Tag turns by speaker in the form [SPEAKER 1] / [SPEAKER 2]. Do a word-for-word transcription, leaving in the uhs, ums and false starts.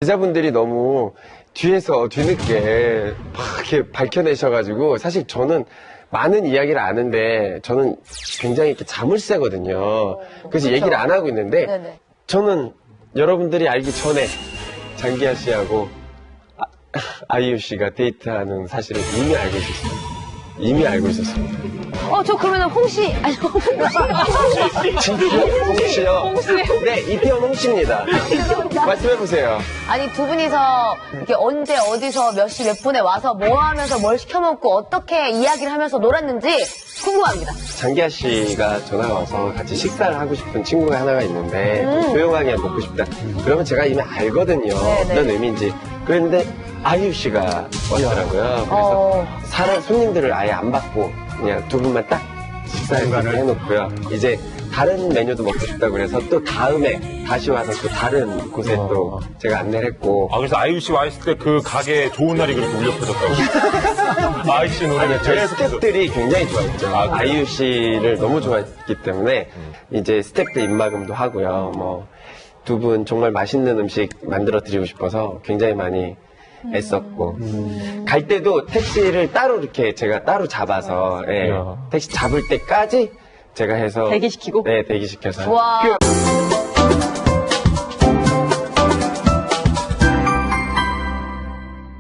[SPEAKER 1] 제자분들이 너무 뒤에서 뒤늦게 막 이렇게 밝혀내셔가지고 사실 저는 많은 이야기를 아는데 저는 굉장히 이렇게 자물쇠거든요. 그래서
[SPEAKER 2] 그렇죠.
[SPEAKER 1] 얘기를 안 하고 있는데
[SPEAKER 2] 네네.
[SPEAKER 1] 저는 여러분들이 알기 전에 장기하 씨하고 아, 아이유 씨가 데이트하는 사실을 이미 알고 있었어요. 이미 알고 있었습니다.
[SPEAKER 2] 어, 저 그러면 홍씨, 아니, 홍씨.
[SPEAKER 1] 진짜요? 홍씨요? 네, 이태원 홍씨입니다. 말씀해보세요.
[SPEAKER 2] 아니, 두 분이서 이렇게 언제, 어디서, 몇 시, 몇 분에 와서 뭐 하면서 뭘 시켜먹고 어떻게 이야기를 하면서 놀았는지 궁금합니다.
[SPEAKER 1] 장기하 씨가 전화가 와서 같이 식사를 하고 싶은 친구가 하나가 있는데 좀 조용하게 먹고 싶다. 그러면 제가 이미 알거든요.
[SPEAKER 2] 네네.
[SPEAKER 1] 어떤 의미인지. 그랬는데 아이유 씨가 왔더라고요. 그래서
[SPEAKER 2] 어.
[SPEAKER 1] 사람, 손님들을 아예 안 받고 그냥 두 분만 딱 식사를 해놓고요. 이제 다른 메뉴도 먹고 싶다고 그래서 또 다음에 다시 와서 또 다른 곳에 또 제가 안내를 했고.
[SPEAKER 3] 아, 그래서 아이유 씨 와 있을 때 그 가게에 좋은 날이 그렇게 울려 퍼졌다고. 아이유 씨 노래가
[SPEAKER 1] 저희
[SPEAKER 3] 계속
[SPEAKER 1] 스태프들이 굉장히 좋아했죠.
[SPEAKER 3] 아, 그래요?
[SPEAKER 1] 아이유 씨를 너무 좋아했기 때문에 이제 스태프들 입막음도 하고요. 뭐 두 분 정말 맛있는 음식 만들어 드리고 싶어서 굉장히 많이 애썼고 갈 때도 택시를 따로 이렇게 제가 따로 잡아서 예,
[SPEAKER 3] 이야.
[SPEAKER 1] 택시 잡을 때까지 제가 해서
[SPEAKER 2] 대기시키고?
[SPEAKER 1] 네 대기시켜서
[SPEAKER 2] 와.